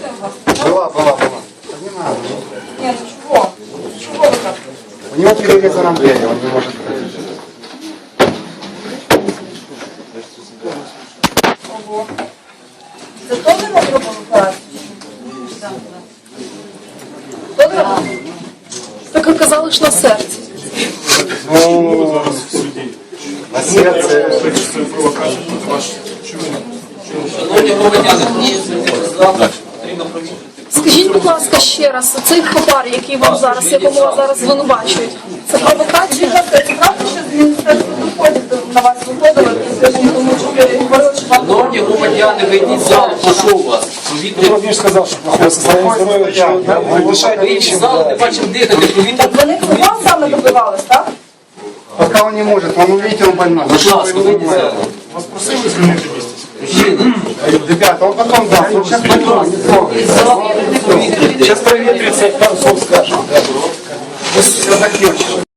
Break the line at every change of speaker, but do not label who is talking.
полиция у вас?
Была. Не надо.
Нет, ну чего? Чего вы так?
У него перерезана дверь, он не может ходить.
Ого. Це теж ми робимо операцію? Хто не робив?
Так ви казали, що на серці.
Ну, на серце.
Шановні громадяни, потрібно провірити.
Скажіть, будь ласка, ще раз, цей хабар, який вам зараз, якому вас зараз звинувачують, це провокація?
Це правда, що з Міністерства доходів на вас виходили, тому що ви говорили, що вам...
Шановні громадяни, вийдіть з залу, прошу вас.
Владимир сказал, что плохое состояние здоровья, что дышать
Вийдіть з
нечем.
залу, не бачимо дихати, провірте.
Так вони вам саме добивались, так?
Пока он не может, он увидите, он больной.
Будь ласка, вийдіть з залу.
Вас просили звільнити місце?
Мужчина,
Ребята, он потом даст, он сейчас больной, не трогай.
з залу, провірте.
Сейчас проветрится, пару слов скажем.
Все закончилось.